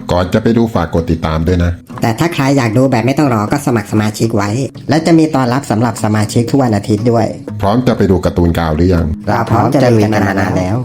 ก่อนจะไปดูฝากกดติดตามด้วยนะแต่ถ้าใครอยากดูแบบไม่ต้องรอก็สมัครสมาชิกไว้และจะมีตอนรับสำหรับสมาชิกทุกวันอาทิตย์ด้วยพร้อมจะไปดูการ์ตูนกาวหรือยังเราพร้อมจะลุยกันมานานแล้ว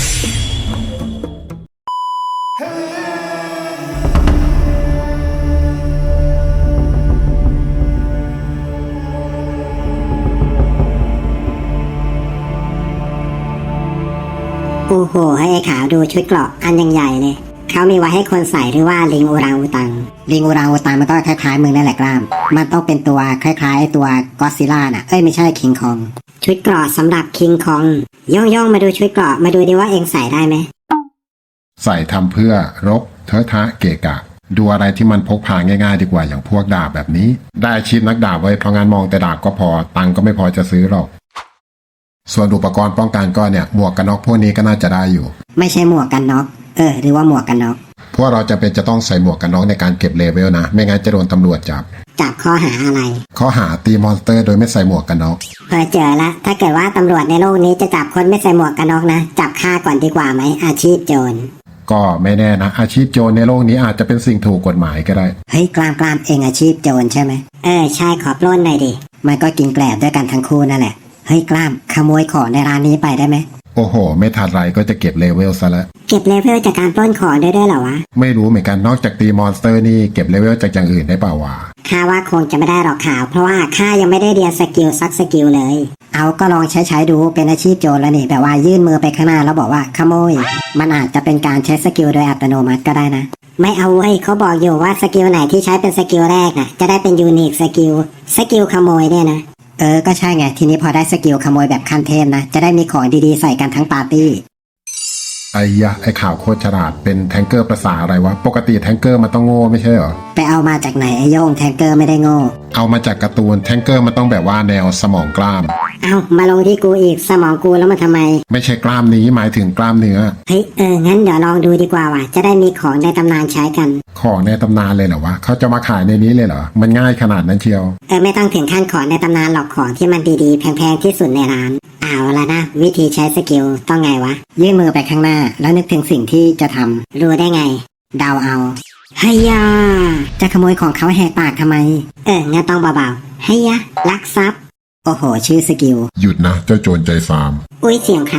โอ้โหให้ไอ้ขาวดูชุดเกราะอันยังใหญ่เลยเขามีไว้ให้คนใส่หรือว่าลิงอูรังอูตังลิงอูรังอูตังมันก็คล้ายๆมึงนั่นแหละกล้ามมันต้องเป็นตัวคล้ายๆตัวก็อดซิลล่าน่ะไม่ใช่คิงคองชุดเกราะสำหรับคิงคองย่องมาดูชุดเกราะมาดูดิว่าเองใส่ได้ไหมใส่ทำเพื่อรบเทอะทะเกะกะดูอะไรที่มันพกพาง่ายๆดีกว่าอย่างพวกดาบแบบนี้ได้อาชีพนักดาบไว้เพราะงานมองแต่ดาบก็พอตังก็ไม่พอจะซื้อหรอกส่วนอุปกรณ์ป้องกันก็เนี่ยหมวกกันน็อกพวกนี้ก็น่าจะได้อยู่ไม่ใช่หมวกกันน็อกหรือว่าหมวกกันน็อกพวกเราจะเป็นจะต้องใส่หมวกกันน็อกในการเก็บเลเวลนะไม่งั้นจะโดนตำรวจจับข้อหาอะไรข้อหาตีมอนสเตอร์โดยไม่ใส่หมวกกันน็อกเจอละถ้าเกิดว่าตำรวจในโลกนี้จะจับคนไม่ใส่หมวกกันน็อกนะจับฆ่าก่อนดีกว่าไหมอาชีพโจรก็ไม่แน่นะอาชีพโจรในโลกนี้อาจจะเป็นสิ่งถูกกฎหมายก็ได้เฮ้ยกลามเองอาชีพโจรใช่ไหมใช่ขอปล้นหน่อยดิมันก็กินแกลบด้วยกันทั้งคู่นั่นแหละเฮ้ยกล้ามขโมยของในร้านนี้ไปได้ไหมโอ้โหไม่ทันไรก็จะเก็บเลเวลซะแล้วเก็บเลเวลจากการปล้นของได้ด้วยเหรอวะไม่รู้เหมือนกันนอกจากตีมอนสเตอร์นี่เก็บเลเวลจากอย่างอื่นได้เปล่าวะข้าว่าคงจะไม่ได้หรอกข่าวเพราะว่าข้ายังไม่ได้เรียนสกิลสักสกิลเลยเอาก็ลองใช้ดูเป็นอาชีพโจรแล้วนี่แบบว่ายื่นมือไปข้างหน้าแล้วบอกว่าขโมยมันอาจจะเป็นการใช้สกิลโดยอัตโนมัติก็ได้นะไม่เอาเว้ยเขาบอกอยู่ว่าสกิลไหนที่ใช้เป็นสกิลแรกน่ะจะได้เป็นยูนิคสกิลขโมยเนี่ยนะก็ใช่ไงทีนี้พอได้สกิลขโมยแบบขั้นเทพนะจะได้มีของดีๆใส่กันทั้งปาร์ตี้ไอ้ข่าวโคตรฉลาดเป็นแทงเกอร์ภาษาอะไรวะปกติแทงเกอร์มันต้องโง่ไม่ใช่เหรอไปเอามาจากไหนไอ้โย่งแทงเกอร์ไม่ได้โง่เอามาจากการ์ตูนแทงเกอร์มันต้องแบบว่าแนวสมองกล้ามเอามาลงที่กูอีกสมองกูแล้วมาทำไมไม่ใช่กล้ามนี้หมายถึงกล้ามเนื้อเฮ้ยงั้นเดี๋ยวลองดูดีกว่าว่ะจะได้มีของในตำนานใช้กันของในตำนานเลยเหรอวะเขาจะมาขายในนี้เลยเหรอมันง่ายขนาดนั้นเชียวไม่ต้องถึงขั้นของในตำนานหรอกของที่มันดีๆแพงๆที่สุดในร้านเอาละนะวิธีใช้สกิลต้องไงวะยื่นมือไปข้างหน้าแล้วนึกถึงสิ่งที่จะทำรู้ได้ไงเดาเอาเฮียจะขโมยของเขาแหกปากทำไมงั้นต้องเบาๆเฮียลักทรัพย์โอ้โหชื่อสกิลหยุดนะเจ้าโจรใจฟาร์มอุ้ยเสียงใคร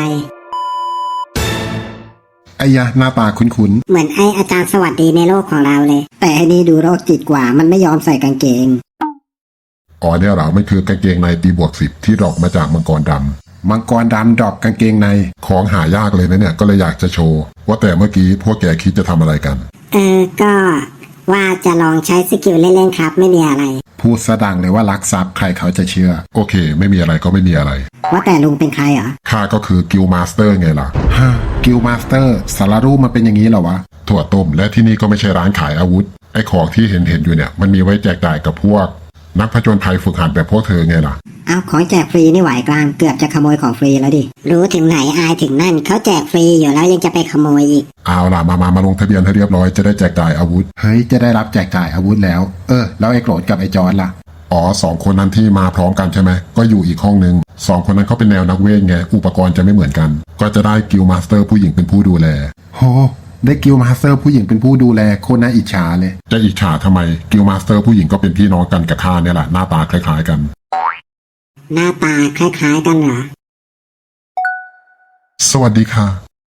ไอ้ยะหน้าตาคุ้นๆเหมือนไออาจารย์สวัสดีในโลกของเราเลยแต่ไอ้นี่ดูโรคจิตกว่ามันไม่ยอมใส่กางเกงอ๋อเนี่ยเหรอมันคือกางเกงในตีบวก10ที่ดรอปมาจากมังกรดำมังกรดำดรอปกางเกงในของหายากเลยนะเนี่ยก็เลยอยากจะโชว์ว่าแต่เมื่อกี้พวกแกคิดจะทำอะไรกันก็ว่าจะลองใช้สกิลเล่นๆครับไม่มีอะไรพูดซะดังเลยว่าลักทรัพย์ใครเขาจะเชื่อโอเคไม่มีอะไรก็ไม่มีอะไรว่าแต่ลุงเป็นใครเหรอข้าก็คือกิลมาสเตอร์ไงล่ะฮะกิลมาสเตอร์สารรูปมันเป็นอย่างนี้เหรอวะถั่วต้มและที่นี่ก็ไม่ใช่ร้านขายอาวุธไอ้ของที่เห็นอยู่เนี่ยมันมีไว้แจกจ่ายกับพวกนักผจญภัยฝึกหัดแบบพวกเธอไงล่ะเอาของแจกฟรีนี่ไหวกลางเกือบจะขโมยของฟรีแล้วดิรู้ถึงไหนอายถึงนั่นเขาแจกฟรีอยู่แล้วยังจะไปขโมยอีกเอาล่ะมาลงทะเบียนให้เรียบร้อยจะได้แจกจ่ายอาวุธเฮ้ยจะได้รับแจกจ่ายอาวุธแล้วแล้วไอ้โกรธกับไอ้จอร์จล่ะอ๋อ2 คนนั้นที่มาพร้อมกันใช่ไหมก็อยู่อีกห้องนึง2 คนนั้นเขาเป็นแนวนักเวทไงอุปกรณ์จะไม่เหมือนกันก็จะได้กิลมาสเตอร์ผู้หญิงเป็นผู้ดูแลโหได้กิลมาสเตอร์ผู้หญิงเป็นผู้ดูแลโคตรน่าอิจฉาเลยจะอิจฉาทำไมกิลมาสเตอร์ผู้หญิงก็เป็นพี่น้องกันกับข้าเนี่ยแหละหน้าตาคล้ายๆกันหน้าตาคล้ายๆกันเหรอสวัสดีค่ะ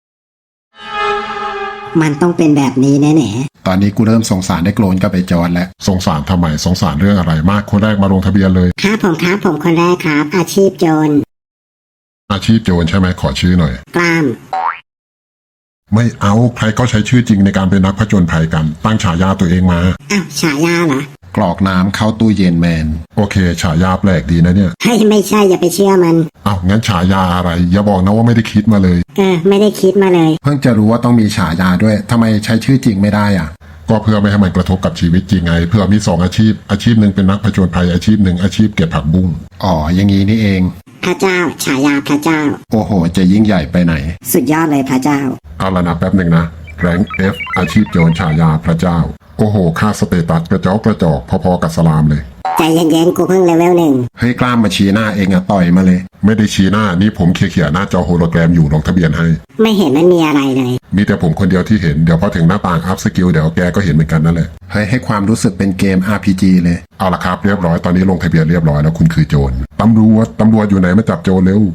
มันต้องเป็นแบบนี้แน่ๆตอนนี้กูเริ่มสงสารได้โกรนกับไอ้จอนแล้วสงสารทำไมสงสารเรื่องอะไรมากคนแรกมาลงทะเบียนเลยครับผมคนแรกครับอาชีพโจรอาชีพโจรใช่ไหมขอชื่อหน่อยกล้ามไม่เอาใครก็ใช้ชื่อจริงในการเป็นนักผจญภัยกันตั้งฉายาตัวเองมาฉายาเหรอกรอกน้ำเข้าตู้เย็นแมนโอเคฉายาแปลกดีนะเนี่ยไม่ใช่อย่าไปเชื่อมันงั้นฉายาอะไรอย่าบอกนะว่าไม่ได้คิดมาเลยไม่ได้คิดมาเลยเพิ่งจะรู้ว่าต้องมีฉายาด้วยทำไมใช้ชื่อจริงไม่ได้ก็เพื่อไม่ให้มันกระทบกับชีวิตจริงไงเพื่อมี2 อาชีพหนึ่งเป็นนักผจญภัยอาชีพหนึ่งอาชีพเก็บผักบุ้งอ๋ออย่างนี้นี่เองพระเจ้าฉายาพระเจ้าโอ้โหจะยิ่งใหญ่ไปไหนสุดยอดเลยพระเจ้าเอาละนะแป๊บหนึ่งนะแรงFอาชีพโจรฉายาพระเจ้าโอ้โหค่าสเตตัสกระจอกพอๆกับสลามเลยใจเย็นๆกูเพิ่งเลเวล 1 เฮ้ยกล้ามมาชี้หน้าเองอะต่อยมาเลย ไม่ได้ชี้หน้านี่ผมเคลียร์หน้าจอโฮโลแกรมอยู่ลงทะเบียนให้ไม่เห็นมันมีอะไรเลยมีแต่ผมคนเดียวที่เห็นเดี๋ยวพอถึงหน้าต่างอัพสกิลเดี๋ยวแกก็เห็นเหมือนกันนั่นแหละเฮ้ยให้ความรู้สึกเป็นเกม RPG เลยเอาละครับเรียบร้อยตอนนี้ลงทะเบียนเรียบร้อยแล้วคุณคือโจรตำรวจอยู่ไหนมาจับโจรเร็ว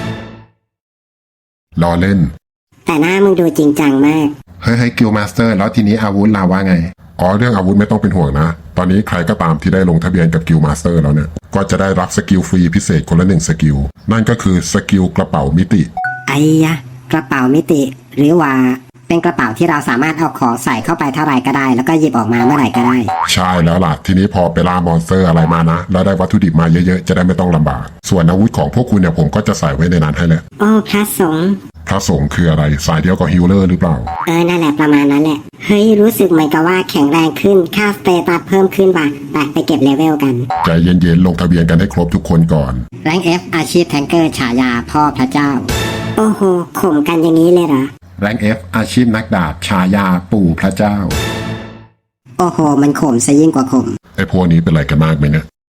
รอเล่นแต่หน้ามึงดูจริงจังมากเฮ้ยกิลมาสเตอร์แล้วทีนี้อาวุธเราว่าไงอ๋อเรื่องอาวุธไม่ต้องเป็นห่วงนะตอนนี้ใครก็ตามที่ได้ลงทะเบียนกับกิลมาสเตอร์แล้วเนี่ยก็จะได้รับสกิลฟรีพิเศษคนละ1สกิลนั่นก็คือสกิลกระเป๋ามิติไอ้ยะกระเป๋ามิติ หรือว่าเป็นกระเป๋าที่เราสามารถเอาของใส่เข้าไปเท่าไหร่ก็ได้ แล้วก็หยิบออกมาเมื่อไหร่ก็ได้ใช่แล้วล่ะทีนี้พอไปล่ามอนสเตอร์อะไรมานะแล้วได้วัตถุดิบมาเยอะๆจะได้ไม่ต้องลำบากส่วนอาวุธของพวกคุณเนี่ยผมก็จะใส่ไว้ในนั้นให้แหละโอ้พระสงฆ์พระสงฆ์คืออะไรสายเดียวกับฮิลเลอร์หรือเปล่านั่นแหละประมาณนั้นแหละ เฮ้ยรู้สึกเหมือนกับว่าแข็งแรงขึ้นค่าสเตตัสเพิ่มขึ้นว่ะไปเก็บเลเวลกันใจเย็นๆลงทะเบียนกันให้ครบทุกคนก่อนแรง F อาชีพแทงเกอร์ฉายาพ่อพระเจ้าโอ้โหข่มกันอย่างนี้เลยเหรอแรง F อาชีพนักดาบฉายาปู่พระเจ้าโอ้โห มันข่มซะยิ่งกว่าข่มไอ้พวกนี้เป็นอะไรกันมากไหมเนี่ย